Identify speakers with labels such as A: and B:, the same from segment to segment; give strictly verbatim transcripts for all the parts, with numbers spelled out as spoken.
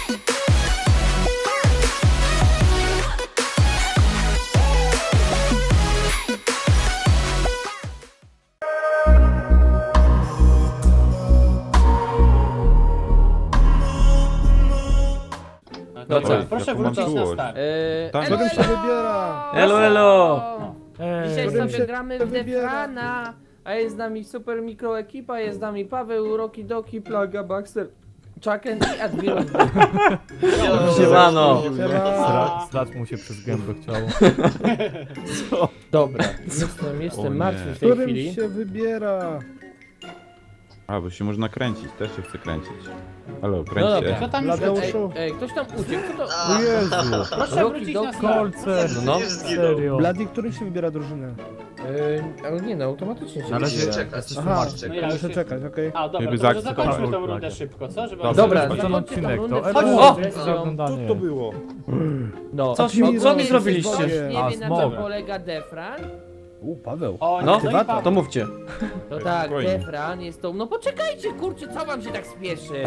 A: Dobra,
B: Oj,
A: proszę
B: jaką mam
A: wrócić na
B: czułość.
A: start.
C: Eee,
B: Tak,
C: elo,
B: którym się
D: wybiera?
C: elo, elo!
E: Ej,
C: Dzisiaj
D: którym
C: sobie
D: się
C: gramy w
D: wybiera?
C: Defrana, a jest z nami super mikro ekipa, jest z nami Paweł, Roki Doki, Plaga, Baxter, Chucken i Admiral.
E: Siemano!
D: Siema.
E: Strać mu się przez gębę chciało.
C: Dobra, jestem, jestem
B: nie.
C: martwy w tej
D: Którym
C: chwili.
D: się wybiera?
B: A, bo się można kręcić, też się chce kręcić. Halo,
C: No
B: kręć
C: dobra.
B: się.
A: Co tam już
D: Bladeusz.
A: leci?
C: Ej,
D: Uszu.
C: ej, ktoś tam uciekł, kto to?
E: O Jezu!
A: Proszę
C: Roki
A: wrócić
C: do
A: na start.
E: Kolce!
C: No, no.
E: Serio?
D: Blady, którym się wybiera drużynę?
C: Yy, ale nie no, automatycznie się
E: Na razie
C: wybiera.
E: jesteś
D: Aha,
E: tłumaczem.
A: No ja
D: muszę
A: już-
D: czekać, okej.
A: A dobra,
B: Jakby
A: to może
B: zakcyk-
A: zakończmy tą
E: Dobra.
A: rundę szybko, co? Żeby
C: Dobra,
E: Ten
C: zakończmy
E: odcinek
C: tą rundę,
E: to...
C: wchodźmy
E: O!
C: w
E: Za
C: grę.
E: oglądanie.
B: było?
C: No.
E: Co,
D: Admiral.
E: co mi
C: Ktoś
E: zrobiliście?
C: nie
E: A,
C: wie na
E: smog.
C: czym polega Defran?
D: U, Paweł.
A: O,
E: No,
A: no i Paweł.
E: To mówcie.
C: No tak,
B: Spokojnie.
C: Defran jest tą... No poczekajcie, kurczę, co wam się tak spieszy?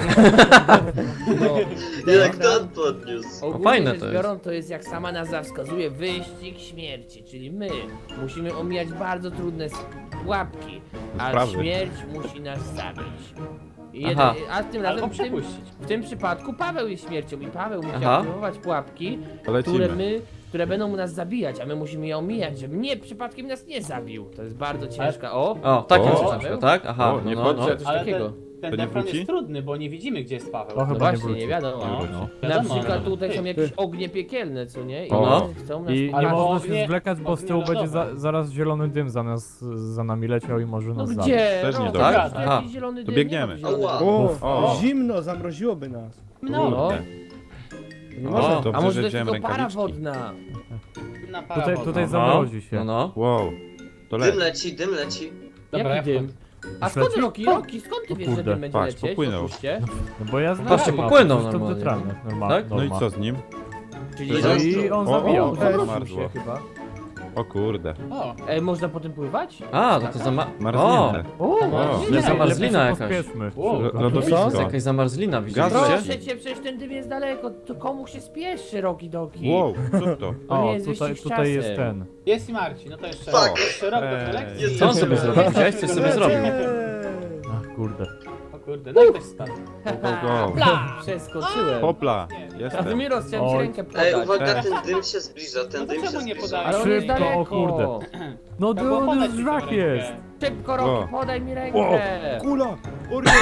C: No,
F: Jak Dan podniósł.
C: ogólnie
E: fajne
C: rzecz
E: to jest.
C: biorąc, to jest jak sama nazwa wskazuje, wyścig śmierci, czyli my musimy omijać bardzo trudne s- pułapki, a
B: Sprawy.
C: śmierć musi nas zabić. I Jeden,
E: Aha.
C: a tym
A: Albo
C: razem w tym,
A: przepuścić.
C: w tym przypadku Paweł jest śmiercią i Paweł musi
E: Aha.
C: aktywować pułapki, które
B: Lecimy.
C: my, które będą nas zabijać, a my musimy je omijać, żeby nie przypadkiem nas nie zabił. To jest bardzo ciężka. O!
E: O, takie
B: O.
E: coś na przykład, tak? Aha,
B: O, nie
E: no, no, no.
B: wchodźcie.
C: Coś
A: Ale
C: takiego.
A: ten, ten
B: To nie
A: defran
B: wróci?
A: jest trudny, bo nie widzimy, gdzie jest Paweł.
E: To
C: No
E: chyba nie
C: właśnie,
E: wróci.
C: nie wiadomo.
A: No.
B: No.
C: Na
A: Wiadomo,
C: przykład
A: no.
C: tutaj są
A: Ty.
C: jakieś ognie piekielne, co nie? I
E: No.
C: one chcą nas...
E: I nie
A: Ale
E: można
A: ognie-
E: się zwlekać, bo z tyłu
A: ognie
E: będzie za,
A: lodowe.
E: zaraz zielony dym za nas, za nami leciał i może
C: No
E: nas zabić.
C: gdzie?
B: Też nie
C: No,
B: dobra.
C: tak?
E: Aha.
C: Jakiś zielony
B: To
C: dym,
B: biegniemy.
C: nie ma zielonego
F: Ała.
C: dymu.
D: O,
B: O.
D: zimno, zamroziłoby nas.
A: No,
C: No.
B: Kurde.
D: Nie
E: O.
D: można.
C: A
B: Dobrze,
C: może
B: że
C: to jest
B: wziąłem
C: tylko para
B: rękawiczki.
C: wodna?
A: na
E: Tutaj,
A: paragon.
E: tutaj
A: No.
E: zamrozi się. No, no.
B: Wow. To
F: Dym
B: leć.
F: leci, dym leci.
A: Dobra,
C: Jaki
A: ja
C: dym? A
E: Już
C: skąd
E: leci?
C: Roki? Roki, skąd ty
E: O
C: wiesz, że
E: kurde,
C: dym będzie
B: patrz,
C: lecieć?
B: popłynął.
C: Oczywiście.
E: No bo ja znam
C: Patrzcie,
E: mapę, popłynął przecież to normalnie. detralne, normalnie.
C: Tak?
B: No i co z nim?
C: Czyli
F: No
C: że...
E: I on
B: O,
E: zabijał.
B: o,
C: Zamroził
B: zamarzło.
C: się chyba.
B: O kurde.
A: O,
C: Ej, można po tym pływać?
E: A, to to zama... O!
B: Marznięte.
C: O,
B: O,
C: nie,
E: Jest zamarzlina
A: lepiej
E: jakaś.
A: Wow.
E: To
B: Lo-
E: jest
B: Lodowisko.
E: jakaś zamarzlina,
B: Gaz.
E: widzicie?
C: Proszę cię, przecież ten dym jest daleko, to komu się spieszy, Roki Doki?
B: Wow, co to?
C: To nie
E: O,
C: jest
E: tutaj,
C: wyścig z
E: tutaj jest
C: czasem.
E: ten.
A: jest i Marcin, no to jeszcze
F: Fuck.
A: raz. Jeszcze rok do
B: Ej.
A: kolekcji.
E: Co on sobie zrobił? Widziałeś, coś sobie zrobił.
D: Eee.
E: Ach, kurde.
A: O kurde, no i ktoś spadł.
B: Go, go, go.
C: Bla! Przeskoczyłem.
B: Hopla.
C: A
B: Jestem.
C: Admiros, chciałem ci
E: Oj.
C: rękę
F: Ej,
C: podać.
F: uwaga,
B: Ej.
F: ten dym się zbliża, ten
A: No to
F: dym się
A: czemu nie
F: zbliża.
A: podałeś?
C: Ale on jest
E: Szybko,
C: daleko.
E: o kurde. No
A: Trzeba było
E: to
A: podać
E: już
A: mi
E: żrak
A: tą
E: jest.
A: rękę.
C: Szybko,
B: O.
C: Roki, podaj mi rękę.
D: Wow, kula! Orion!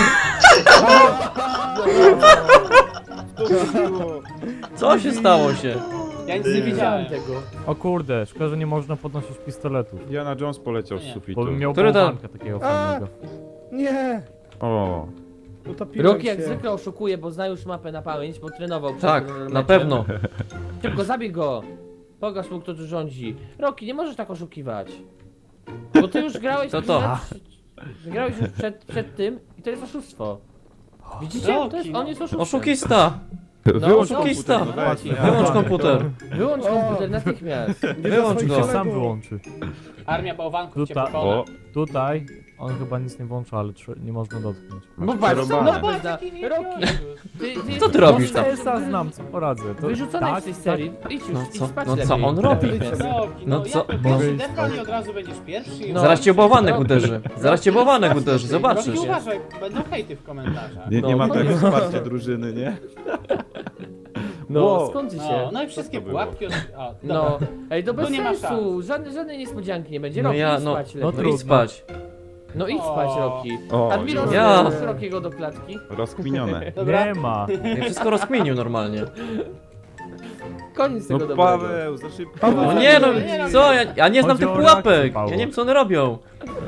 E: Co się stało się?
A: Ja nic nie widziałem.
C: tego.
E: O kurde, szkoda, że nie można podnosić pistoletów.
B: Diana Jones poleciał z
A: Nie.
B: sufitu.
E: Bo bym miał
G: Który to-
E: bałwanka takiego
D: A!
E: fajnego.
D: Nie!
B: O,
D: Utopiłem
C: Roki jak
D: się.
C: zwykle oszukuje, bo zna już mapę na pamięć, bo trenował przed
E: Tak,
C: meczem.
E: na pewno.
C: Szybko, zabij go. Pokaż mu, kto tu rządzi. Roki, nie możesz tak oszukiwać. Bo ty już grałeś
E: Co to?
C: Przed, grałeś już przed, przed tym i to jest oszustwo. Widzicie? To jest, on jest oszustem.
E: Oszukista!
B: wyłącz
E: oszukista.
B: komputer, no dajcie, ja-
E: Wyłącz komputer.
C: Wyłącz
D: O.
C: komputer natychmiast.
D: Nie
E: Wyłącz
D: za swoich
E: go.
D: kolegów.
E: Sam wyłączy.
A: Armia bałwanków cię
E: Tutaj-
A: pokona.
B: O,
E: Tutaj on chyba nic nie włącza, ale trze- nie można dotknąć.
C: Bo patrz,
B: przerąbane.
C: no
A: Patrz,
C: bez na...
A: jaki wielki
C: Roki,
A: odgłos.
C: ty, ty
E: Co ty robisz tam? Esa znam, co poradzę. To
C: Wyrzucony
E: tak,
C: z tej
E: tak.
C: serii. Idź już,
E: No
C: idź
E: co,
C: spać
E: no co
C: lepiej.
E: on robi?
A: Roki,
E: No
A: no
E: co-
A: jak to
E: Mogę
A: pierwszy
E: iść
A: defran i od razu będziesz pierwszy.
C: No.
E: Zaraz cię bałwanek uderzy. Zaraz cię bałwanek uderzy, zobaczysz.
A: Roki, uważaj, będą hejty w komentarzach.
B: nie, nie
C: No.
B: ma tego wsparcia drużyny, nie?
C: No,
B: Wow.
C: skąd się?
A: No, no i wszystkie
B: to było?
A: pułapki od... O,
C: No,
A: dobra.
C: ej, to bez
A: Tu nie ma
C: sensu. Żadnej, żadnej niespodzianki nie będzie.
E: No
C: Roki,
E: ja,
C: idź
E: no,
C: spać
E: no
C: lepiej.
E: to
C: No,
E: idź spać.
C: idź spać,
A: O.
C: Roki.
B: O,
C: Admiros,
E: Ja.
C: włóż Rokiego do klatki.
B: rozkminione.
A: Dobra.
E: Nie ma. Ja wszystko rozkminił normalnie.
C: Koniec tego
B: No
C: dobrego.
B: Paweł, za szybko.
D: Paweł,
E: No nie no,
A: Nie,
E: co? Ja, ja nie znam Chodzi tych o pułapek. reakcję, Paweł. Ja nie wiem co one robią.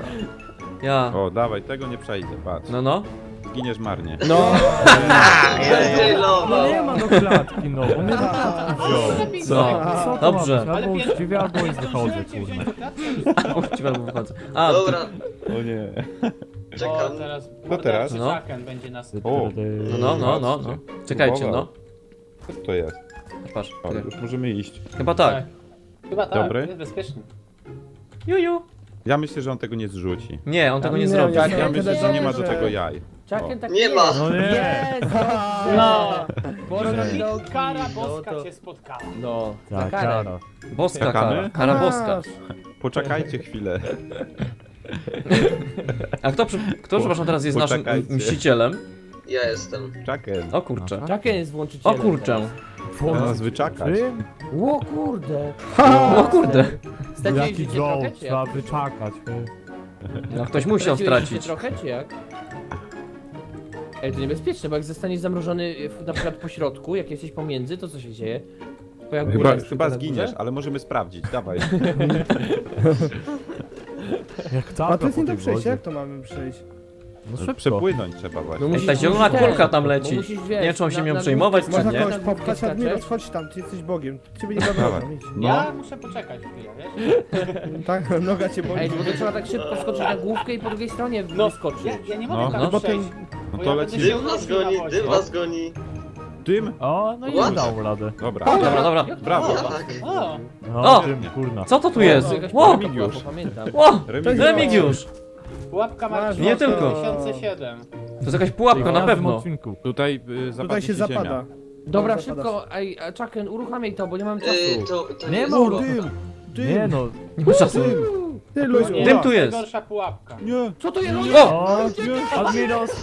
E: Ja.
B: O, dawaj, tego nie przejdę, patrz.
E: No no.
B: Zginiesz marnie.
C: No.
F: Zestrzejlował.
E: No nie ma do klatki, no. On mnie do klatki wziął.
C: Co?
E: Co to
G: Dobrze.
E: ma być?
A: Ale
E: Albo
A: pier-
E: uczciwie, albo i wychodzę,
A: Zdążyłem cię
E: kurwa.
A: wziąć w klatkę.
E: Uczciwie, albo wychodzę. A,
F: Dobra,
B: O nie.
A: O,
F: czekam.
A: teraz
B: No teraz?
E: No.
A: Chucken będzie nas...
B: O.
E: no, no, no, no, no. Czekajcie, no.
B: Co to jest?
E: Patrz,
B: O,
E: czekaj.
B: już możemy iść.
E: Chyba tak.
A: Chyba tak,
B: Dobry.
A: jest bezpieczny.
E: Juju.
B: Ja myślę, że on tego nie zrzuci.
E: Nie, on tego nie
D: Nie,
E: zrobi.
D: ja-
B: Ja
D: ja
B: myślę,
D: tyle
B: że nie ma do
D: dobrze.
B: tego jaj.
C: Chucken tak
F: Nie ma.
E: No nie.
C: Jest, dobrze.
A: No.
C: sporo nam dał
A: Kara
C: kij, no
A: boska
C: to-
A: cię spotkała.
C: No, za
D: Tak,
C: karę.
D: kara.
E: Boska
B: Czekamy?
E: kara, kara boska.
D: Masz.
B: Poczekajcie chwilę.
E: A kto, przy- kto przepraszam, teraz jest naszym
B: Poczekajcie.
E: mścicielem?
F: Ja jestem.
B: Czaken.
E: O kurczę.
C: Czaken jest
E: O
C: włączycielem.
E: kurczę.
B: Na nas wyczakać.
D: Czym?
C: teraz. O kurde.
E: O kurde.
C: Straciłeś
D: Jaki
C: życie trochę,
D: joke,
C: czy
D: trzeba
C: jak?
D: wyczakać.
E: No ktoś musiał
C: Straciłeś życie
E: stracić.
C: trochę, czy jak? Ej, to niebezpieczne, bo jak zostaniesz zamrożony w- na przykład po środku, jak jesteś pomiędzy, to co się dzieje? Bo jak góra
B: Chyba,
C: jest
B: chyba
C: tylko na
B: zginiesz,
C: górze?
B: ale możemy sprawdzić. Dawaj.
D: Jak
G: A to jest nie do przejścia,
D: wodzie.
G: jak to mamy przejść?
D: No szybko.
B: Przepłynąć trzeba
C: No
B: właśnie.
C: musisz-
E: ta zielona
C: musisz
E: kulka
C: ten,
E: tam
C: bo
E: leci.
C: musisz, wiesz,
E: Nie wiem, czy on się
C: na-
E: nią
C: na
E: przejmować,
C: główkę
E: czy
G: Można
E: nie?
G: kogoś
C: na główkę
G: popchać,
C: skaczesz.
G: Admiros, chodź tam, ty jesteś Bogiem. Ciebie nie
B: Dawaj.
G: zabrałem, idź.
B: No.
A: Ja muszę poczekać chwilę, wiesz?
G: Tak, noga cię boli.
C: Ej, bo to trzeba tak szybko skoczyć na główkę i po drugiej stronie
A: No,
C: wyskoczyć.
A: ja, ja nie mogę
B: No.
A: tak
E: No.
A: przejść,
B: No
A: bo
B: to
A: ja będę
B: lecimy.
A: się
F: Dym was
A: unosił na
F: goni,
A: wodzie.
F: dym was goni.
B: Dym?
D: O, no i
F: What?
D: dał radę.
B: Dobra.
E: Dobra, dobra.
B: Brawo.
F: Tak.
A: O,
D: No,
E: O!
D: tym, kurna.
E: Co to tu
C: To
E: jest?
C: jakaś
E: Ło!
C: pułapka była, bo pamiętam.
E: Ło!
B: Remigiusz.
E: Remigiusz!
A: pułapka Marcina
E: Nie tylko.
A: dwa tysiące siedem.
E: To jest jakaś pułapka,
D: W
E: na
D: każdym
E: pewno.
D: odcinku.
B: Tutaj y,
G: Tutaj
B: zapadnie
G: się
B: ci
G: zapada.
B: ziemia.
C: Dobra,
G: Zapadasz.
C: szybko, ej, a Chucken, uruchamiaj to, bo nie mamy
F: Yy,
C: czasu.
F: to, to
D: Nie
F: jest-
D: ma
G: O,
D: uro-
G: dym! Dym!
D: Nie no.
E: Nie ma czasu.
G: Ty,
A: No
G: ludzie.
A: nie,
E: Dym
A: to
E: tu jest.
A: najgorsza pułapka.
B: Nie.
C: Co to jest?
E: O!
D: O, Admiros.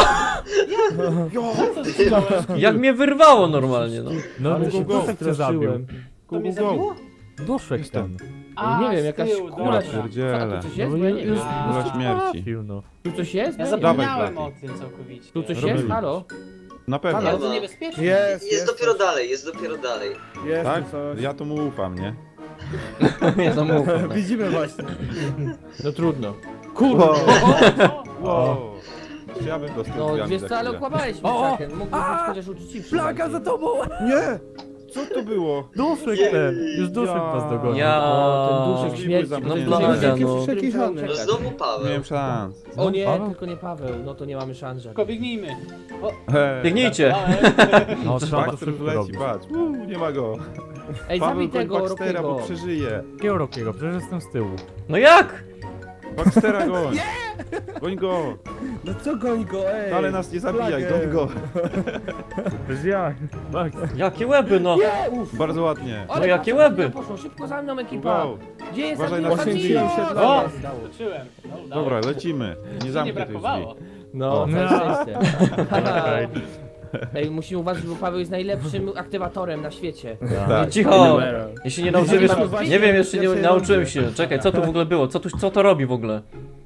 A: Co ty zrobiłeś?
E: Jak mnie wyrwało normalnie, no.
D: No,
G: Ale
D: go,
G: się
D: go, cię zabił.
A: To mnie zabiło?
D: Duszek ten.
A: A,
C: nie wiem,
A: z
C: jakaś
A: tyłu,
C: kula
A: dobra.
C: się...
B: Pierdziele.
C: A tu coś jest?
D: No
C: Bo ja nie
D: już-
C: wiem.
B: Kula śmierci.
D: Trafił, no.
C: Tu coś jest?
A: Ja
C: Bo nie wiem.
A: zapomniałem
B: Dawaj,
A: o tym całkowicie.
C: Tu coś
B: Robimy.
C: jest? Halo?
B: Na pewno.
C: Halo?
A: Bardzo niebezpieczne.
G: Jest,
F: Jest
G: jest.
F: dopiero dalej, jest dopiero dalej.
G: Jest
B: Tak?
G: tu coś.
B: Ja tu mu ufam, nie?
E: Ja to mówię.
G: Widzimy właśnie.
C: No trudno.
B: Kurde.
A: O,
B: Wow. Ja bym dostał
C: No,
B: drzwiami
C: wiesz
B: za
C: co, ale
B: chwilę.
C: okłamałeś mnie,
D: O, o!
C: Chucken. Mógłbyś być chociaż uczciwszy.
D: Flaga za tobą!
B: Nie! Co to było?
D: Duszek ten. Już duszek
B: Ja.
D: was dogonił.
E: Ja...
C: O, ten duszek
B: Możliwy
C: śmierci.
B: za
C: to
B: mną.
C: jest
E: No,
C: duszek
E: plaga,
C: śmierci,
E: no.
C: przy którym trzeba
F: No
C: uciekać.
F: znowu
B: Nie
F: Paweł.
B: miałem szans.
C: O nie,
D: Paweł?
C: tylko nie Paweł, no to nie mamy szans
A: Tylko
C: żadnych.
A: biegnijmy.
B: Hej.
E: Biegnijcie!
D: No, trzeba to
B: Baxter
D: szybko
B: leci,
D: robić.
B: patrz. Uuu, nie ma go.
C: Ej,
B: Paweł,
C: zabij
B: goń
C: tego
B: Baxtera, bo
C: Rokiego.
B: przeżyje.
D: Jakiego Rokiego? Przecież jestem z tyłu.
E: No jak?
B: Baxtera goń. Goń go.
G: No co goń go, ej!
B: Ale nas nie zabijaj,
G: Flagę.
B: goń go.
D: Przecież ja. Tak.
E: Jakie łeby, no!
C: Nie, uff.
B: Bardzo ładnie.
C: Ale
E: No jakie
C: patrz,
E: łeby.
C: jak poszło, szybko za mną ekipa.
B: Wow.
C: Gdzie jest
B: Uważaj na
C: Admiros?
G: oświęcimy
C: Admiros?
G: się
C: O!
G: dla-
A: Wróciłem. No, udało
B: Dobra,
A: się.
B: lecimy. Nie
A: Nie
B: zamknij tych
A: brakowało.
B: drzwi.
C: No,
B: O.
C: całe szczęście.
D: Okej.
C: Ej, musimy uważać, bo Paweł jest najlepszym aktywatorem na świecie.
B: Tak.
E: Cicho! Ja się nie nauczyłem
G: Nie
E: jeszcze...
G: ma
E: Nie wiem, jeszcze nie
G: pierwszej
E: nauczyłem
G: rundy.
E: się. Czekaj, co tu w ogóle było? Co, tu, co to robi w ogóle?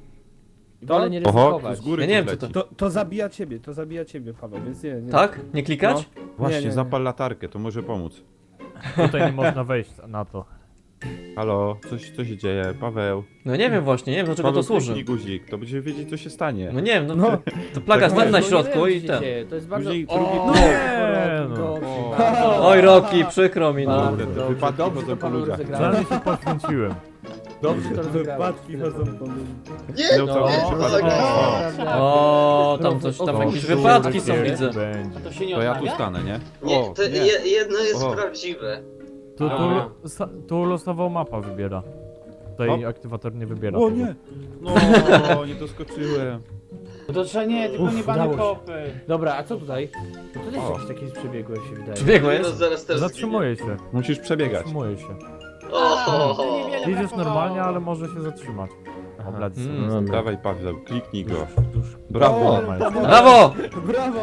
C: Wolę nie
B: Oho, tu
C: ryzykować.
B: z góry
E: Ja nie wiem,
B: tu
E: co
B: leci.
E: to-
G: To, to zabija ciebie, to zabija ciebie, Paweł, więc nie, nie.
E: Tak? Nie klikać?
B: Właśnie,
G: Nie, nie, nie.
B: zapal latarkę, to może pomóc.
D: Tutaj nie można wejść na to.
B: Halo, coś, co się dzieje? Paweł.
E: No nie wiem właśnie, nie wiem do czego
B: Paweł,
E: to służy.
B: kliknij guzik, to będziemy wiedzieć, co się stanie.
E: No nie wiem, no,
G: No.
E: to plaga
B: Tak,
E: jest
C: No,
E: na
C: nie
E: środku
C: wiem,
E: i
C: co się
E: ten.
C: dzieje, To jest bardzo...
B: Później
C: O,
B: drugi-
C: no,
D: Nie, no.
C: Rocky,
B: O.
C: bardzo.
E: Oj Roki, przykro mi, no.
C: Bardzo
B: Kurde, te
C: dobrze,
B: wypadki
C: dobrze
B: chodzą
C: to
B: po
C: Paweł
B: ludziach.
C: rozegrałeś.
D: Zaraz się poświęciłem.
C: Dobrze to rozegrałeś.
G: Wypadki chodzą po ludzi.
F: Nie,
B: No,
C: No,
B: cały
F: nie,
B: przypadek.
F: tak.
E: O, tam coś, tam
C: O,
E: jakieś
C: o,
E: wypadki
C: o,
E: są,
C: o,
E: widzę.
D: Będzie.
A: A to się nie
B: To ja tu
A: odnawia?
B: stanę, nie?
F: Nie,
B: O,
F: to
B: nie.
F: je, jedno jest
B: O.
F: prawdziwe.
D: Tu, tu,
A: Dobra.
D: sa- tu losowo mapa wybiera. Tutaj
B: O.
D: aktywator nie wybiera.
B: O
D: tego.
B: nie! No, nie doskoczyłem.
A: No to trzeba nie, tylko
C: Uff,
A: nie bane
C: udało się.
A: kopy.
C: Dobra, a co tutaj? To też
B: O.
C: jakieś takie przebiegłe się wydaje.
E: Przebiegło
F: No
E: jest?
F: zaraz też zginie.
D: Zatrzymuje się.
B: Musisz przebiegać.
D: Zatrzymuje się.
F: O,
A: To niewiele
D: Idziesz
A: brakowało.
D: normalnie, ale może się zatrzymać.
C: Aha.
D: O, blady
E: Mm.
D: są.
B: Dawaj Paweł, kliknij go.
D: Dusz.
B: Brawo!
G: O,
E: Brawo!
G: Brawo!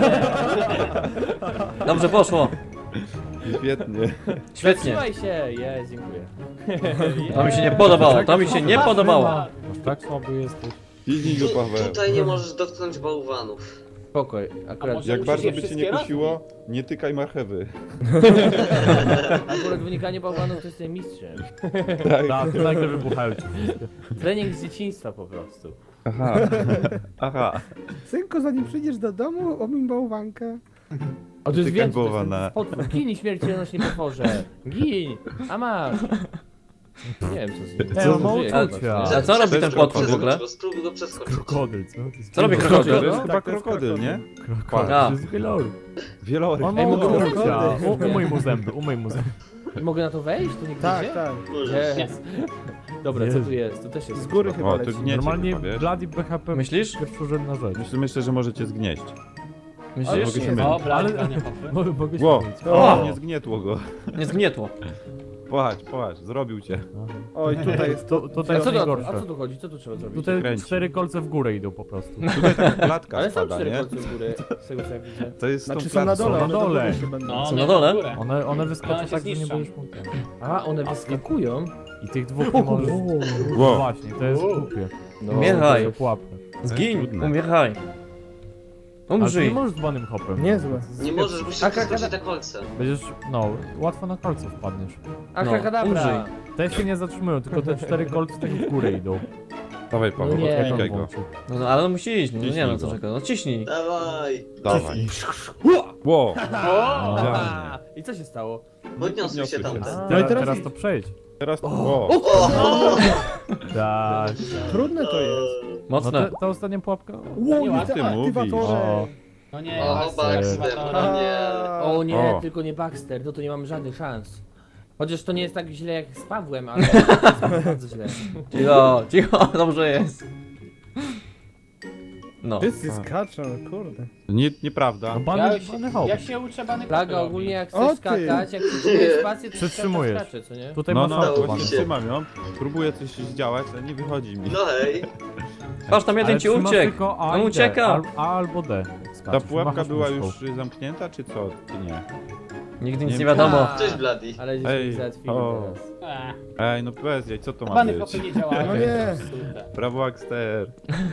E: Dobrze poszło.
B: Świetnie.
E: Świetnie.
C: Trzymaj się! Jest, dziękuję.
E: To mi się nie podobało, to mi się nie podobało.
D: Aż tak słaby jesteś.
B: Kliknij go
F: tu,
B: Paweł.
F: tutaj nie możesz dotknąć bałwanów.
C: Spokoj, akurat,
A: może-
B: Jak
A: Musisz
B: bardzo
A: je
B: by cię
A: wszystkie
B: nie kusiło, nie tykaj marchewy.
C: akurat wynikanie bałwanów to jestem mistrzem.
D: Tak, ty nagle wybuchają ci wszystkie.
C: Trening z dzieciństwa po prostu.
B: Aha. Aha.
G: Synku, zanim przyjdziesz do domu, omiń bałwankę.
C: O, to jest
B: Tykaj
C: więcej, to jest
B: bałwana.
C: ten potwór. Gin, śmiercionośnie potworze. Gin! A masz! Nie wiem co z nim.
D: Co?
C: On żyje,
D: Mąca
C: chyba.
D: cię.
E: A co robi ten
F: Przeskocz
E: potwór w ogóle?
F: go, Spróbuj go przeskoczyć.
D: Krokodyl, co?
E: Co robi
B: To
E: krokodyl?
B: jest
G: Tak,
B: chyba
G: to jest
B: krokodyl, nie?
D: Krokodyl,
E: A.
D: to jest wieloryb.
B: Wieloryb.
D: On
C: Ej,
D: ma
C: mogę
D: ukrycia.
C: krokodyl.
D: U- Umyj mu zęby, umyj mu zęby.
C: Mogę na to wejść? Tu nigdy
G: Tak,
C: gdzie?
G: tak.
F: Możesz.
C: Jest. Dobra, co tu jest? Tu też jest.
G: Z góry chyba
B: O, to
G: leci.
B: gniecie
D: Normalnie
B: chyba, wiesz?
D: Bloody B H P
E: Myślisz?
D: pierwszorzędna rzecz.
B: Myślę, myślę, że możecie zgnieść.
E: Myślisz?
B: mogę się
G: nie.
B: mylić.
A: Dobra,
D: Ale-
A: ale... popy.
D: Mogę, mogę się
B: Ło,
D: mylić.
B: o, nie zgnietło go.
E: Nie zgnietło.
B: Płacz, płacz, zrobił cię.
G: Oj, tutaj jest
D: To, tutaj
C: A
D: jest
C: co, to, a
D: najgorsze.
C: co tu chodzi? Co tu trzeba zrobić?
D: Tutaj
B: kręci.
D: cztery kolce w górę idą po prostu.
B: Tutaj taka klatka
C: Ale są
B: spada,
C: cztery
B: nie?
C: kolce w górę, z tego co ja widzę.
B: To jest
G: Znaczy
B: tą
G: są na
B: klatką.
G: dole,
D: Są
G: one
D: na
G: do
D: dole.
G: góry się będą.
A: No,
E: Są
A: one
E: na dole?
A: w górę.
D: One, one
A: One
D: wyskoczą
A: się
D: tak, że nie
A: zniszczą.
D: będziesz mógł.
C: A, one wyskakują?
D: I tych dwóch nie możesz...
B: Wow.
D: Właśnie, to jest
A: Wow.
D: głupie.
C: No,
E: Umieraj.
D: To pułapka.
E: Zgiń,
B: trudne.
E: umieraj.
D: Ale ty
E: Umrzyj.
D: nie możesz z banym hopem.
G: Niezłe.
F: Nie możesz, musisz
C: A
F: przeskoczyć
C: kakada-
F: te kolce.
D: Będziesz, no, łatwo na kolce wpadniesz.
C: Akrakadabra!
E: umrzyj.
D: Te się nie zatrzymują, tylko te cztery kolce tak w górę idą.
B: Dawaj, Paweł,
C: No nie.
D: Jak on
B: odklikaj go.
D: włączył.
E: No, no ale on musi iść, no nie
B: Ciśnij
E: no co
B: go.
E: czeka, no ciśnij.
F: Dawaj.
B: Dawaj. Ło!
C: O!
B: Idealnie.
C: I co się stało?
F: Podniosły się tamte.
D: Teraz,
G: No i teraz
D: teraz
G: idź.
D: to przejdź.
B: Teraz to... Ło!
D: Tak.
G: Trudne to jest.
D: No
E: Mocne.
D: te, ta ostatnia pułapka.
G: Ło,
A: Nie
G: i
A: ładnie
G: te
B: mówisz.
G: aktywatory.
D: O,
A: No nie,
F: O,
A: Baxter,
F: Baxter,
A: aktywatora.
F: no nie.
C: O nie,
B: O.
C: tylko nie Baxter, no to nie mamy żadnych szans. Chociaż to nie jest tak źle jak z Pawłem, ale jest bardzo źle.
E: Cicho, cicho, dobrze jest. No.
G: Wszyscy skaczą, kurde.
B: Nie, nieprawda.
D: no
A: Ja,
D: bany,
A: się,
D: bany hop.
A: ja się uczę bany
C: Plaga
A: kopy
C: ogólnie jak
G: O
C: chcesz
G: ty.
C: skakać, jak przytrzymujesz spację, to
D: Przytrzymujesz.
C: skacze, co nie?
D: Tutaj
B: No,
D: masz
B: no,
D: auto
F: Udało
D: bany.
F: się.
B: trzymam ją. Próbuję coś zdziałać, ale nie wychodzi mi.
F: No hej.
E: Patrz, tam jeden
D: Ale
E: ci
D: trzymasz
E: uciekł.
D: tylko A
E: On
D: i D,
E: ucieka.
D: Al, A albo D. jak
B: Ta
D: skaczesz.
B: pułapka
D: Machasz
B: była
D: myszką.
B: już zamknięta, czy co? Czy nie?
E: Nigdy
B: Nie
E: nic nie
B: wiem.
E: wiadomo.
C: A,
F: Cześć, Bloody.
C: Ale
B: Ej,
C: żeśmy ich załatwili
B: o.
C: teraz.
A: Eee,
B: Ej, no bez jaj, co to ma
A: bany
B: być?
A: kopy nie działają.
G: No nie.
A: Psute.
B: Brawo, Axter.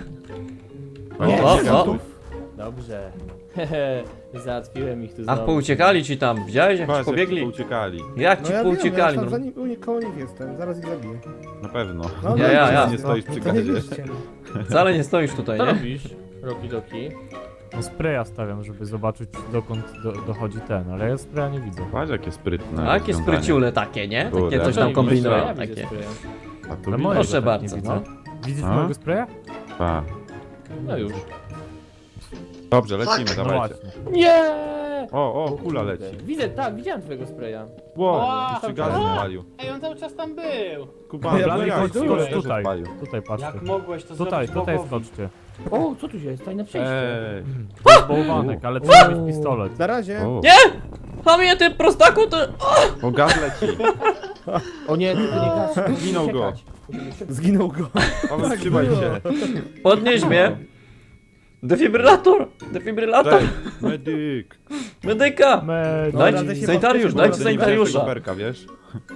E: O, o, o.
C: Dobrze. Hehe, załatwiłem ich tu
E: Ach,
C: znowu.
E: pouciekali ci tam, widziałeś jak ci
B: Patrz, jak
E: pobiegli?
B: uciekali.
E: Jak
G: No
E: ci
G: ja wiem, ja
E: pouciekali?
G: tam
E: no.
G: za nim, u nie, koło nich jestem, zaraz ich zabiję.
B: Na pewno.
G: No,
E: Ja,
G: no,
E: ja, ja.
B: Nie stoisz przy
G: To nie
B: gazie.
G: widzicie.
E: Wcale nie stoisz tutaj,
C: Co
E: nie?
C: robisz? Roki doki.
D: No spraya stawiam, żeby zobaczyć dokąd do, dochodzi ten, ale ja spraya nie widzę.
B: Patrz, jakie sprytne.
E: A jakie
B: rozwiązanie.
E: spryciule takie, nie? Takie
B: Kurde.
E: coś tam
A: Ja
E: kombinują,
C: Ja widzę
E: takie.
C: swoje.
B: A tu
D: Ale
B: widzisz?
D: mojego
E: Proszę
D: tak
E: bardzo,
D: nie
E: no.
D: widzę. Widzisz
B: A?
D: mojego spraya?
B: Pa.
C: No już.
B: Dobrze, lecimy,
G: Tak.
D: No
B: dawajcie.
D: właśnie.
C: Nie!
B: O, o, kula leci.
C: Widzę, tak, widziałem twojego spraya.
B: Ło,
A: Ła,
B: jeszcze
A: to-
B: gaz
A: a!
B: spalił.
A: Ej, on cały czas tam był.
B: Kuba,
G: Ja
B: no
G: bym
B: jak?
G: chodź,
B: Skoro
G: tutaj,
B: też
D: tutaj.
B: odpalił.
D: Tutaj patrzcie.
A: Jak mogłeś to
D: Tutaj,
A: zrobić
D: tutaj
A: Bobowi?
D: skoczcie.
C: O, co tu się jest? Tajne przejście.
B: Ej.
D: To jest bałwanek, ale trzeba mieć pistolet.
G: Na razie.
B: O,
E: A mnie ty prostaku, ty...
B: o, gaz leci.
C: O nie, tylko nie gasz. musimy
B: Zginął go.
C: uciekać. Musimy szybko.
G: Zginął go.
B: Paweł,
G: Tak
B: trzymaj
G: było.
B: się.
E: Podnieś mnie. Defibrylator! Defibrylator!
B: Cześć, medyk.
E: Medyka!
D: Me...
G: Dobra,
E: Dajcie
G: daj się
E: sanitariusz,
G: podnieść,
E: dajcie
B: Kurde, nie widziałem tego
E: sanitariusza!
B: berka, wiesz?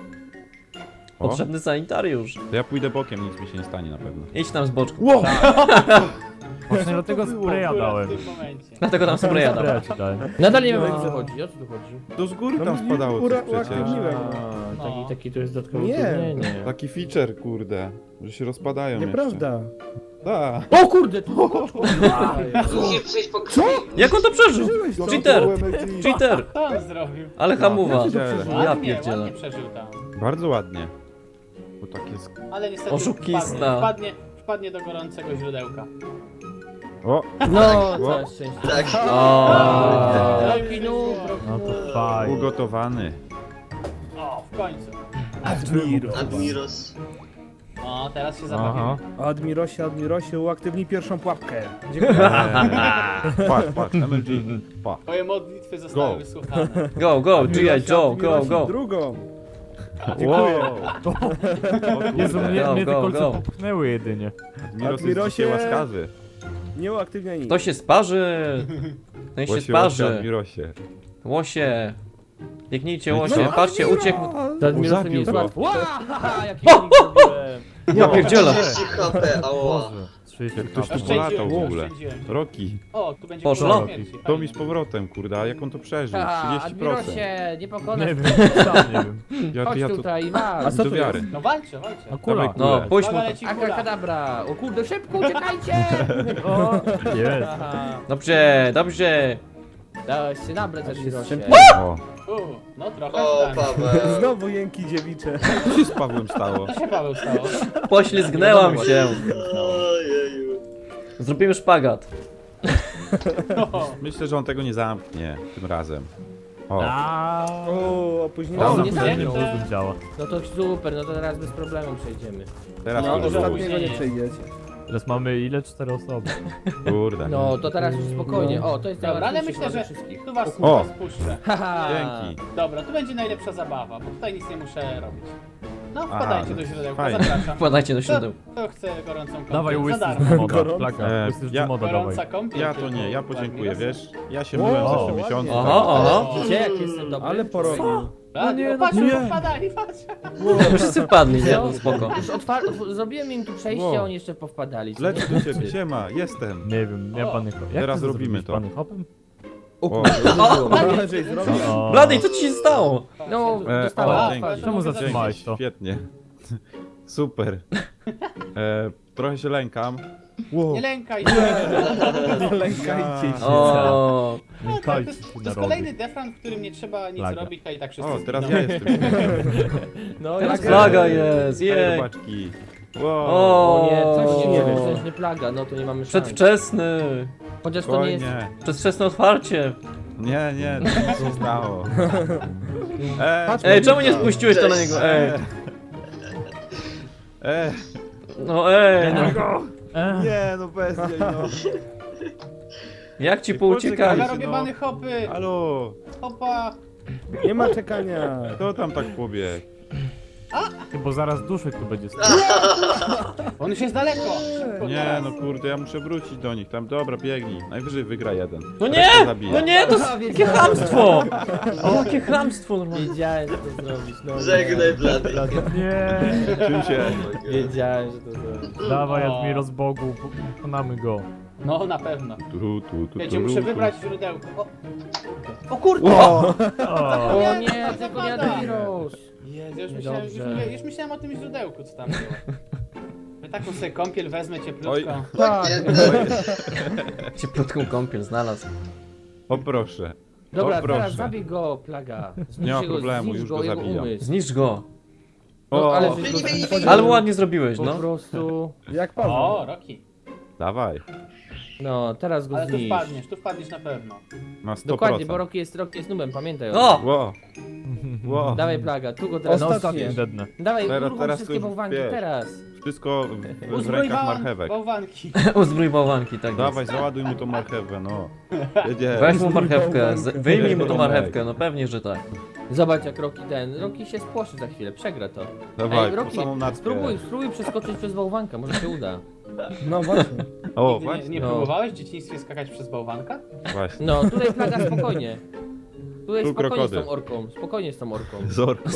B: O,
E: Potrzebny sanitariusz.
B: to ja pójdę bokiem, nic mi się nie stanie na pewno.
E: Idź tam z boczku.
G: Wow.
D: Właśnie dlatego spraya
A: Akurat
D: dałem.
A: w tym momencie.
E: Dlatego tam spraya dam.
D: Spraya ci dałem.
C: Nadal nie wiem,
G: No.
C: o co chodzi. O co tu chodzi?
B: To z góry
G: No,
B: tam
G: mi-
B: spadało
G: ura-
B: coś przecież.
G: uaktywniłem.
C: A,
A: No.
C: taki, taki to jest dodatkowy
G: Nie.
C: utrudnienie.
B: Taki feature, kurde, że się rozpadają
G: Nieprawda.
B: Tak.
C: O kurde, tu
F: Musisz przejść po krwi.
E: Jak on to przeżył?
G: Przeżyłeś to.
E: Cheater!
G: O M L G.
E: Cheater!
A: Co on zrobił?
E: Ale hamuwa.
G: Jak ty to
B: Ja
G: przeżyłeś?
E: Ja
A: Ładnie,
E: pierdzielę.
A: ładnie przeżył tam.
B: Bardzo ładnie. Bo tak jest...
A: Ale niestety
E: Oszukista.
A: Wpadnie, wpadnie, wpadnie do gorącego źródełka.
B: O,
C: No,
B: O.
C: całe szczęście.
F: Tak.
E: O.
C: Roki noob, roki
D: No to
C: noob.
D: fajnie.
B: ugotowany.
A: O, w końcu.
F: Admiros.
A: O, teraz się
D: Aha.
A: zabawimy.
G: Admirosie, Admirosie, uaktywnij pierwszą pułapkę. Dziękuję.
B: Eee, patrz, patrz, M L G. Pa.
A: Twoje modlitwy zostały
B: Go.
A: wysłuchane.
E: Go, go, G I
G: Admirosie,
E: Joe, go,
G: Admirosie,
E: go.
G: Drugą.
B: Dziękuję.
D: Jezu, mnie,
E: Go,
D: mnie te
E: go,
D: kolce
E: go.
D: popchnęły jedynie.
B: Admiros jest
G: Admirosie.
B: dzisiaj łaskawy.
G: Nie uaktywniaj nic.
E: To się sparzy. Ten się
B: Łosie, łosie,
E: sparzy.
B: Admirosie.
E: Łosie. Biegnijcie,
B: No i
E: łosie.
B: co?
E: Patrzcie, uciekł.
C: To Admiros to
B: Zabił
C: nie jest
B: go.
C: łatwo. Ła, jaki unik zrobiłem.
E: Ja pierdzielę.
F: trzydzieści H P, ała.
D: Boże. trzydzieści
B: Ktoś tu
D: kapel.
B: polatał w
A: Oszczędziłem,
B: ogóle.
A: oszczędziłem.
B: Roki.
A: O, tu będzie
E: Poszło.
A: kula śmierci.
B: To mi
A: Fajnie.
B: z powrotem, kurde, a jak on to przeżył?
C: A,
B: trzydzieści procent.
C: Admirosie, nie pokonasz.
D: Nie wiem, sam nie wiem.
B: Ja,
C: Chodź
B: ja to...
C: tutaj,
G: A
C: masz.
G: co
B: do
G: to
B: wiary.
G: jest?
A: No walczę, walczę.
D: No kula.
B: Dawaj
E: No,
B: kulę.
E: pójdź mu
A: Uwaga,
E: to.
A: leci kula.
C: Akrakadabra. O kurde, szybko, uciekajcie.
D: O, jest.
C: Aha.
E: Dobrze, dobrze.
C: Dałeś się nabrać, Admirosie.
B: O,
A: U, no trochę
F: O,
A: tak.
F: Paweł.
G: Znowu jęki dziewicze.
B: co się z Pawłem stało?
A: Co się Paweł stało?
E: Poślizgnęłam się.
F: Ojeju.
E: Zrobimy szpagat.
A: O,
B: Myślę, że on tego nie zamknie tym razem. O,
D: Aaaa.
G: O, opóźnienie.
C: O,
D: Tam
C: nie
D: zapomniałem,
C: zamknął.
D: że uzum działa.
C: No to super, no to teraz bez problemu przejdziemy.
B: teraz
A: No,
B: to
A: to
B: dużo.
G: Ostatniego nie
A: opóźnienie.
G: przejdziecie.
D: Teraz mamy ile? Cztery osoby.
B: Kurde.
C: No, to teraz już spokojnie. O, to jest
A: Dobra, ale
C: najłatwiejszy
A: myślę,
C: ze
A: że
C: wszystkich.
A: tu was,
B: O!
A: was puszczę.
C: Haha.
B: Dzięki.
A: Dobra, tu będzie najlepsza zabawa, bo tutaj nic nie muszę robić. No,
B: Aha,
A: wpadajcie
B: no
A: do
B: to
A: źródełka,
B: fajnie.
A: zapraszam.
E: Wpadajcie do
A: Kto,
E: siodeł.
A: kto chce gorącą kąpiel?
D: Dawaj
A: Za
D: łysy
A: darmo.
D: z moda,
G: Gorąco.
D: plaga.
B: E,
D: Łysy z
B: ja-
D: moda dawaj.
A: Gorąca kąpiel.
B: Ja to nie, ja
A: tylko
B: podziękuję,
A: Admiros.
B: wiesz? Ja się myłem w
G: O,
B: zeszłym miesiącu.
G: ładnie.
E: Aha, aha.
C: Widzicie, jak jestem dobry?
G: Ale porobił.
A: A,
D: nie,
A: no,
D: no
A: patrz,
B: nie.
A: wpadali, patrz.
E: No, wszyscy wpadli, nie? No, spoko.
C: Już otwar- zrobiłem im tu przejście,
B: Wow.
C: a oni jeszcze powpadali.
B: Lecę do ciebie, siema, jestem.
D: Nie wiem, nie
A: O,
D: pany hop. Jak
B: teraz
D: ty to
B: robimy
D: zrobiłeś,
B: to.
D: Pany hopem?
B: O,
G: Andrzej zrobił.
D: O.
E: Bladej, co ci się stało?
C: No,
B: e,
C: dostałem.
B: o,
A: A,
B: dzięki.
D: Czemu
A: Dzięki.
D: zatrzymałeś to?
B: Świetnie. Super. E, trochę się lękam. Wow.
A: Nie lękaj się.
G: Nie lękajcie się.
E: O,
A: No, to,
D: Lękajcie
A: jest,
D: się
A: to jest
D: narody.
A: kolejny defran, w którym nie trzeba nic
D: Plaga.
A: robić, a i tak wszyscy
B: O, teraz
A: zginą.
B: ja jestem.
C: No,
E: teraz
C: jak-
E: flaga jest,
B: Ej,
E: jej.
B: robaczki. Wow.
C: O nie, coś nie
E: O.
C: wiem, to jest nie plaga, no to nie mamy szans.
E: Przedwczesny.
C: Chociaż to nie jest...
B: Spokojnie.
E: Przedwczesne otwarcie.
B: Nie, nie, to nic się stało. E,
G: Patrz,
E: Ej, czemu nie spuściłeś to na
F: Cześć.
E: niego? Ej,
B: e,
E: no ej, no.
D: E,
B: nie, no bez jej, no.
E: Jak ci
B: Ej,
E: pouciekali?
A: Plaga,
B: poczekajcie,
A: robię
B: no.
A: bany hopy.
B: Halo,
A: Hopa.
G: Nie ma czekania.
B: kto tam tak pobiegł?
D: ty, bo zaraz duszek tu będzie stał.
A: On już jest daleko. Szybko
B: Nie,
A: teraz.
B: no kurde, ja muszę wrócić do nich. Tam, dobra, biegnij. Najwyżej wygra jeden.
E: No
B: Resztę
E: nie!
B: zabiję.
E: No nie, to jest jakie chamstwo! O, jakie chamstwo normalnie.
C: Wiedziałem, że to zrobić, no nie.
F: Żegnaj, blady.
D: Nie!
B: Czym się?
C: Wiedziałem, że to zrobić.
D: Dawaj,
A: O.
D: Admiro z Bogu, pokonamy go.
A: No, na pewno.
B: Tu, tu, tu, tu,
A: Wiecie,
B: tu,
A: muszę
B: tu.
A: wybrać źródełko. O, o kurde!
D: O!
C: O nie, tylko nie Admiros.
A: Jezu, już myślałem, już,
C: Dobrze.
A: mówię- już myślałem o tym źródełku, co tam było. Wy taką sobie kąpiel wezmę cieplutką.
B: Oj.
G: Tak.
E: Cieplutką kąpiel znalazł.
B: O proszę.
C: Dobra,
B: O, proszę.
C: teraz zabij go, plaga. Zniszcz
B: Nie ma
C: jego-
B: problemu,
C: zniszcz
B: już
C: go,
B: go
C: jego
B: zabijam.
C: umysł.
E: Zniszcz go.
C: No,
B: O,
C: ale
B: o,
C: żeś go
F: Wyli, wyli,
C: zabił.
E: Ale ładnie zrobiłeś,
C: Po
E: no.
C: prostu...
G: Jak Paweł.
A: O, Roki.
B: dawaj.
C: No, teraz go
A: Ale tu
C: zniszcz.
A: wpadniesz, tu wpadniesz na pewno.
B: Na sto procent.
C: Dokładnie, bo Rocky jest, Rocky jest nubem, pamiętaj o tym.
E: O!
B: Ło, ło.
C: Dawaj plaga, tu go teraz
D: No
G: Ostatnie.
C: zniszczysz.
D: dednę.
C: Dawaj,
B: Teraz-
C: uruchom
B: teraz
C: wszystkie
B: już
C: bałwanki,
B: wiesz.
C: teraz.
B: Wszystko w, w
A: Uzbroj
B: rękach
A: bałwan-
B: marchewek.
A: bałwanki.
E: Uzbrój bałwanki, tak
B: Dawaj,
E: jest.
B: załaduj mu tą marchewę, no. Jedzie.
E: Weź mu marchewkę, z- wyjmij mu tą
B: Tomek.
E: marchewkę, no pewnie, że tak.
C: Zobacz jak Rocky ten, Rocky się spłoszy za chwilę, przegra to.
B: Dawaj,
C: Ej,
B: po
C: Rocky,
B: samą natkę.
C: spróbuj, spróbuj przeskoczyć przez bałwanka, może się uda.
G: No właśnie.
B: O,
A: Nigdy nie,
B: właśnie.
A: nie
C: No.
A: próbowałeś w dzieciństwie skakać przez bałwanka?
B: Właśnie.
C: No, tutaj plaga spokojnie. Tutaj
B: Tu
C: spokojnie z
B: krokodyl.
C: tą orką, spokojnie z tą orką.
B: Zorko,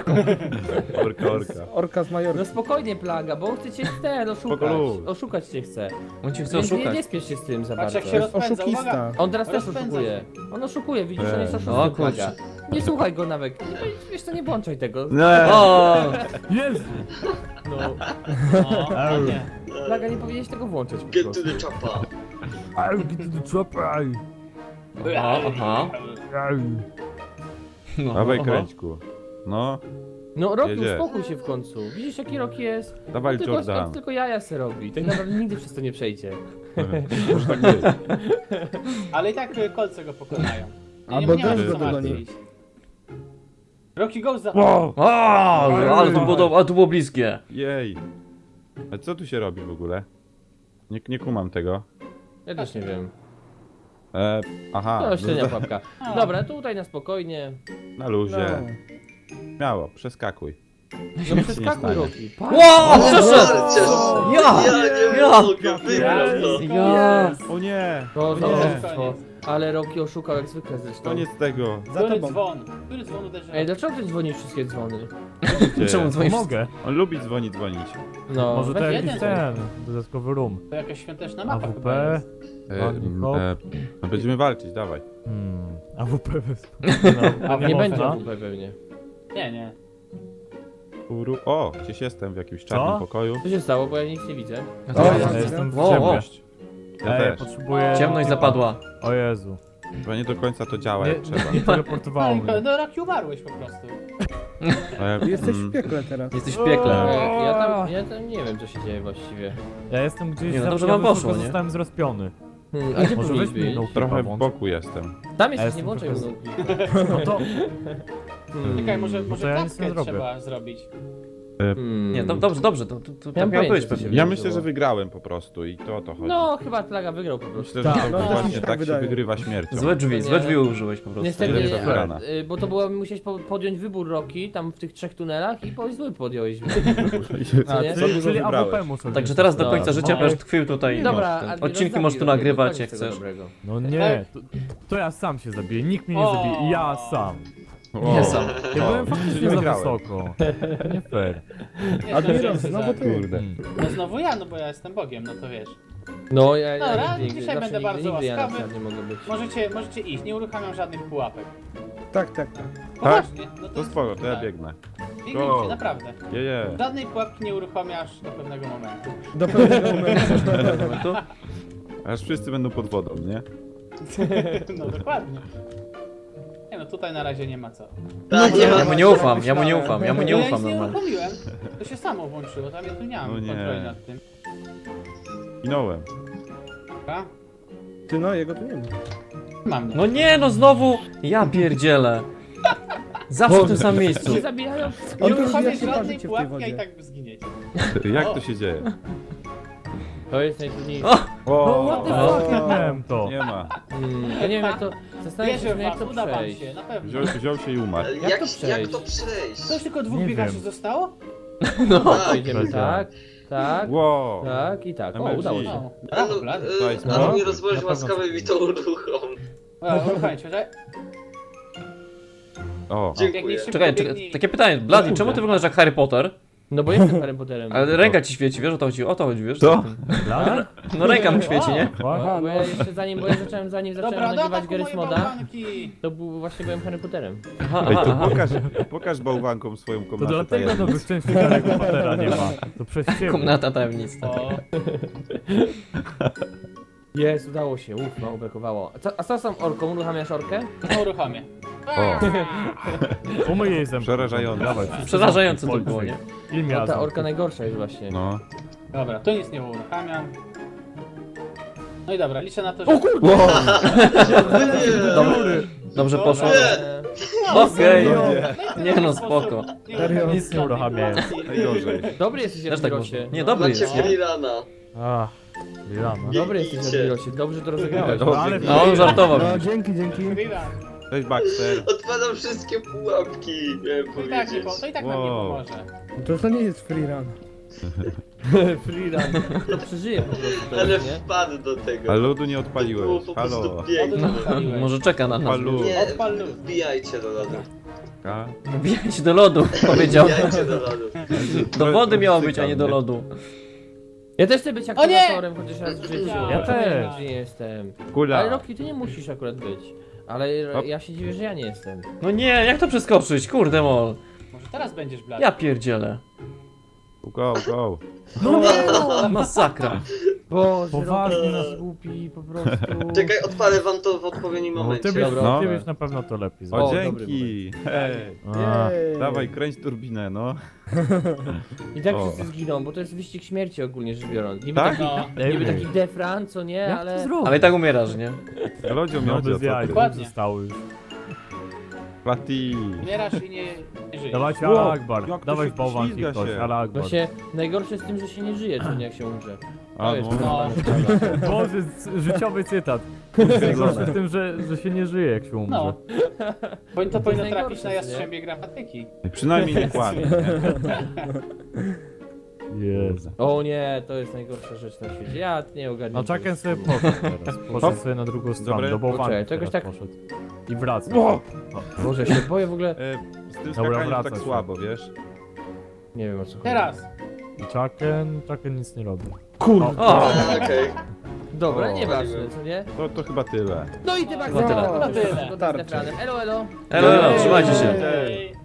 B: orka, orka.
G: Orka z Majorki.
C: No spokojnie plaga, bo on chce cię ten oszukać.
B: Spokojnie.
C: Oszukać cię chce.
E: On cię chce
C: Więc nie,
E: oszukać.
C: nie spiesz się z tym za
A: Patrz
C: bardzo.
A: jak się
G: To jest
A: rozpędza, uwaga!
G: oszukista.
C: On teraz też
A: Rozpędza
C: oszukuje. On oszukuje, widzisz, on jest
B: Ej.
C: oszustem
E: O,
C: plaga.
E: kurczę.
C: Nie słuchaj go nawet. Nie, wiesz co, nie włączaj tego.
B: Nie.
E: O!
D: Jezu!
C: No,
A: No, no nie.
C: plaga nie powinieneś tego włączać po
F: Get to
C: prostu.
F: the chopper.
D: I'll get to the chopper!
E: Aha, aha. No,
B: Dawaj,
E: aha.
B: kręćku. No,
C: No Rocky,
B: Jedzie.
C: uspokój się w końcu. Widzisz jaki Rocky jest?
B: dawaj
C: On tylko, on
B: Jordan.
C: tylko jaja se robi. Tak naprawdę nigdy przez to nie przejdzie.
B: Może tak być.
A: Ale i tak y, kolce go pokonają. Nie,
G: Albo
A: nie ma
G: deszcz
A: się
G: go
A: co
G: dogoni.
A: martwić. Rocky Ghost za...
B: Wow.
E: O, ale to było, do- ale to było bliskie.
B: Jej. A co tu się robi w ogóle? Nie, nie kumam tego.
C: Ja też nie wiem.
B: E, aha,
C: To średnia
B: no,
C: pułapka.
A: A.
C: Dobra, tutaj na spokojnie.
B: na luzie.
G: No.
B: Śmiało, przeskakuj.
C: No
B: nie
C: przeskakuj
B: stanie.
C: Rocky. Patrz.
E: Wow, przeszedł!
F: Ja!
E: Ja!
F: Ja nie
E: Ja!
F: mogę, wygrał to.
E: Ja!
B: O nie!
C: To
B: O
C: za
B: nie!
C: oszustwo. Ale Rocky oszukał jak zwykle zresztą.
B: Koniec tego.
G: Za
A: Który
G: tobą.
A: dzwon? Który dzwon uderzy?
C: Ej, dlaczego ty dzwonisz wszystkie dzwony?
E: Czemu dzwonisz?
D: Mogę.
B: On lubi dzwonić, dzwonić.
C: No,
D: Może to
C: weź
D: jakiś
A: jeden.
D: ten, dodatkowy room.
A: To jakaś świąteczna mapa
D: A W
A: chyba
D: P.
A: jest.
B: E,
D: Ładnie,
B: m,
D: hop.
B: e, no będziemy walczyć, dawaj.
D: Hmm. A W P bez.
C: A nie
D: można?
C: będzie A W P pewnie.
A: Nie, nie.
B: Uru. O, gdzieś jestem w jakimś czarnym
D: Co?
B: pokoju.
C: Co się stało, bo ja nic nie widzę.
E: O,
G: ja
D: Ja
G: widzę.
D: jestem w
E: Wow, wow.
D: ciemność.
B: Ja
D: Ej,
B: też.
D: potrzebuję...
E: Ciemność zapadła.
D: O Jezu.
B: Chyba nie do końca to działa
D: Nie,
B: jak trzeba.
D: nie teleportowało
A: No,
D: mnie.
A: no Rocky umarłeś po prostu.
B: E,
G: Jesteś
B: mm,
G: w piekle teraz.
E: Jesteś w piekle.
C: E, Ja tam, ja tam nie wiem co się dzieje właściwie.
D: Ja jestem gdzieś...
E: Nie, no
D: za-
E: dobrze
D: ja
E: wam
D: wysoko
E: poszło, nie?
D: Zostałem zrespiony.
C: Hmm, a gdzie
D: Może
C: powinien
D: weź mi
C: być?
D: no
B: Trochę w boku jestem.
C: Tam
D: Ja
C: jesteś, nie
D: jestem
C: włączaj
D: trochę z-
C: mu.
D: No to...
C: Hmm.
A: Czekaj, może,
D: No
A: może
D: to ja nic nie
A: klatkę
D: zrobię.
A: trzeba zrobić.
B: E,
C: Hmm.
E: Nie, do, dobrze, dobrze, to, to, to tak
C: Miałem
E: miało
C: pojęcie,
E: być
C: co się
E: pewnie.
B: Ja
C: wydarzyło.
B: myślę, że wygrałem po prostu i to o to chodzi.
C: No, chyba Plaga wygrał po prostu.
B: Myślę, że
D: Tak,
B: to
G: no, też mi
B: właśnie
G: się tak
B: tak się
G: wydaje.
B: wygrywa śmiercią.
E: Złe drzwi, złe drzwi użyłeś po prostu.
C: Niestety,
B: Lepsza
C: a,
B: wygrana.
C: y, bo to było, musiałeś po, podjąć wybór Roki, tam w tych trzech tunelach i po zły podjąłeś.
B: A,
C: nie?
B: co
D: Czyli,
B: dużo
D: czyli
B: wybrałeś?
D: AWP muszę
E: Także
D: wziąć.
E: teraz do
C: No,
E: końca życia
C: no.
E: będziesz tkwił tutaj. i
C: Dobra,
E: masz ten.
C: Admiros,
E: Odcinki
C: zabij
E: możesz tu
C: Rokiego,
E: nagrywać
C: koniec
E: jak
C: tego
E: chcesz.
C: dobrego.
D: No nie, to, to ja sam się zabiję, nikt mnie nie
A: O.
D: zabije, ja sam.
B: O,
E: Nie sam.
D: Ja
B: o,
D: byłem faktycznie
B: czyli
D: za
B: wygrałem.
D: wysoko. Nie fair.
A: Nie
G: Admiros,
A: zdążyłem się
G: znowu
A: zabić.
G: ty.
B: Kurde.
D: Mm.
A: No znowu ja, no bo ja jestem Bogiem, no to wiesz.
C: No, ja, ja
A: Dobra,
C: nigdy,
A: dzisiaj
C: zawsze
A: będę
C: nigdy,
A: bardzo
C: nigdy ja na
A: łaskawy.
C: przykład nie mogę być.
A: Możecie, możecie iść, nie uruchamiam żadnych pułapek.
G: Tak, tak, tak.
A: Poważnie. No
B: To spoko, to ja
A: tak.
B: biegnę.
A: Biegnijcie,
B: Go.
A: naprawdę.
B: Je, je.
A: Żadnej pułapki nie uruchamiasz do pewnego momentu.
G: Do pewnego momentu.
E: Momentu?
B: Aż wszyscy będą pod wodą, nie?
A: No dokładnie. Nie no, tutaj na razie nie ma co.
F: Tak, nie
E: Ja
F: ma.
E: mu nie ufam, ja mu nie ufam, ja mu nie
A: No ja
E: ufam
A: nic nie
E: normalnie.
A: uruchomiłem. To się samo włączyło, tam ja tu nie mam
B: No nie.
A: kontroli nad tym.
B: Minąłem.
A: Dobra?
G: Ty no, jego tu nie ma.
A: Mam.
E: No nie, no znowu! Ja pierdzielę. Zawsze w tym samym miejscu.
C: Się zabijają?
A: Nie
G: On tu
A: uruchamiasz
G: zbija się
A: żadnej
G: życie w tej
A: pułapki, a i
G: wodzie.
A: tak zginiecie.
B: Jak
A: O.
B: to się dzieje?
C: To jest najtrudniejsze.
E: O!
B: O,
D: What the
G: O.
D: fuck, jak miałem to?
B: nie ma.
C: Hmm, ja nie wiem jak to... Zastanawiam się,
A: Wierzę
C: jak
A: w
C: to
A: was, uda wam
C: przejść.
A: się, na pewno.
B: Wziął, wziął się i umarł.
F: Ale
C: Jak
F: Jak,
C: to
F: jak,
C: przejść?
F: to przejść?
A: To już tylko dwóch
D: Nie
A: biegaczy
D: wiem.
A: zostało?
C: No,
F: Tak.
C: idziemy tak, tak,
B: Wow.
C: tak i tak. O,
B: M L G.
C: udało się.
A: No.
F: No,
A: Brawo, blady.
B: To jest
F: no,
B: no.
F: Admiros, bądź
D: Na pewno
F: łaskawy
D: coś
F: mi to uruchom.
A: O, uruchamiać, czekaj.
B: O,
F: Dziękuję.
A: Biegnij szybko,
E: Czekaj,
A: biegnij.
E: czekaj, takie pytanie, Bloody, czemu ty wyglądasz jak Harry Potter?
C: No bo jestem Harry Potterem.
E: Ale ręka ci świeci, wiesz o to chodzi, o to chodzi, wiesz?
B: Co?
D: Dla?
E: No ręka mu świeci, nie?
C: No, bo ja jeszcze zanim, bo ja zacząłem, zanim zacząłem
A: Dobra, do
C: nagrywać
A: ataku
C: Garry's
A: moje
C: Moda,
A: bałwanki.
C: to był, właśnie byłem Harry Potterem.
E: Aha,
B: Ej,
E: aha,
B: to
E: aha.
B: pokaż, pokaż bałwankom swoją
D: To
B: komnatę
D: dlatego
B: tajemnic.
D: nowych części Harry'ego Pottera nie ma. To przez ciebie.
E: Komnata tajemnicza.
A: O,
C: Jest, udało się, uff, mało brakowało. A co, a co z tą orką? Uruchamiasz orkę?
A: no uruchomię.
B: O,
D: Umyj jej zęby.
B: Przerażające.
D: Dawaj.
E: Przerażające to
D: Policja.
E: było, nie?
D: Ile
C: No,
D: miała
C: ta
D: zębów?
C: orka najgorsza jest właśnie.
B: no.
A: Dobra, tu nic nie uruchamiam. No i dobra, liczę na to, że...
E: Dobry. Dobrze poszło.
F: Nie.
E: Okej.
A: No
E: Nie no, spoko.
G: Serio?
D: Nic nie uruchamiałem.
B: Najgorzej.
C: Dobry jesteś
E: Też tak
C: Admirosie.
E: można. Nie, dobry
F: Macie
E: jest, nie?
F: freerana.
D: Ach, Lilana.
C: Dobry jesteś
F: Biegnijcie.
C: Admirosie, dobrze to rozegrałeś.
B: No,
D: Ale
E: No on żartował.
G: No, dzięki, dzięki.
A: Freerun.
B: Cześć Baxter.
F: Odpadam wszystkie pułapki, miałem
A: To i tak, nie,
F: powiedzieć.
A: po- to i tak nam nie
B: Wow.
A: pomoże.
G: To to nie jest free run.
C: Freerun. To przeżyje po prostu to
F: Ale
C: jest, nie?
F: wpadł do tego.
B: A lodu nie
F: To było
B: odpaliłeś.
F: po
B: Halo.
F: prostu
A: Lodu
F: piękne.
A: nie odpaliłeś.
E: Może czeka na nas.
B: Palu.
F: Nie,
A: Odpal lód.
F: wbijajcie do lodu.
B: A?
E: Wbijać do lodu, powiedział.
F: Wbijajcie do lodu.
E: Do wody miało być, a nie do lodu.
C: Ja też chcę być
A: O nie!
C: aktywatorem chociaż raz w życiu.
A: Ja
C: Ja
D: też.
C: nie jestem. Ale
B: Kula.
C: Rocky, ty nie musisz akurat być. Ale
B: Hop.
C: ja się dziwię, że ja nie jestem.
E: No nie, jak to przeskoczyć? Kurde mol.
A: Może teraz będziesz blady.
E: Ja pierdzielę.
B: Go, go.
E: No, masakra.
C: Boże,
D: Poważnie
C: Rocky
D: nas-
C: nas głupi po prostu.
F: Czekaj, odpalę wam to w odpowiednim
D: No, ty
F: momencie.
D: byś,
C: Dobra.
B: No.
D: ty byś na pewno to lepiej
B: O,
D: zrobił.
C: dobry
B: dzięki. Hej.
D: A,
G: Jej.
B: Dawaj, kręć turbinę, no.
C: I tak
B: O.
C: wszyscy zginą, bo to jest wyścig śmierci ogólnie rzecz biorąc. Niby
B: Tak?
C: taki,
A: No.
C: niby taki defran, co nie,
D: Jak
C: ale...
D: to zrobić?
E: Ale i tak umierasz, nie?
B: Lodzio
D: No
B: miodzio,
D: bez
B: co
D: jaj,
B: ty?
D: dwóch
A: Dokładnie.
D: zostały już.
B: Plati.
A: Umierasz i nie, nie żyjesz.
D: Dawajcie
B: Wow,
D: Ala Akbar.
B: jak to
D: Dawaj
B: się
D: w bałwanki
B: poślizga
D: ktoś,
B: się.
D: Ala Akbar.
C: Właśnie najgorsze jest z tym, że się nie żyje, co nie jak się umrze.
B: A,
C: To jest
B: no.
A: No,
D: Boże, c- życiowy cytat. Najgorsze w tym, że, że się nie żyje jak się umrze.
A: no. Bo to powinno trafić
C: najgorsze,
A: na
C: nie?
A: jastrzębie gramatyki.
B: Przynajmniej nie kłamie, nie?
D: Jezu.
C: O nie, to jest najgorsza rzecz na świecie. Ja nie ogarniam.
D: No Chucken sobie poszedł teraz. Poszedł sobie na drugą stronę,
B: Dobre.
D: do bałwanki
C: Poczekaj, to jakoś
D: teraz
C: tak-
D: poszedł. I wraca.
B: Wow.
C: Boże, się boję w ogóle.
B: E, z tym
D: Dobra,
B: skakaniem
D: wraca
B: tak
D: się.
B: słabo, wiesz?
C: Nie wiem o co chodzi.
A: Teraz.
D: I Chucken, Chucken nic nie robi.
C: Kurde.
E: O!
F: Okej.
C: Dobra,
B: O,
C: nieważne, co nie?
B: To, to chyba tyle.
C: No i ty bardzo
E: No tyle.
C: no,
G: No,
C: tyle.
G: starczy.
C: Elo, elo.
E: Elo, elo, trzymajcie się.
A: Ej.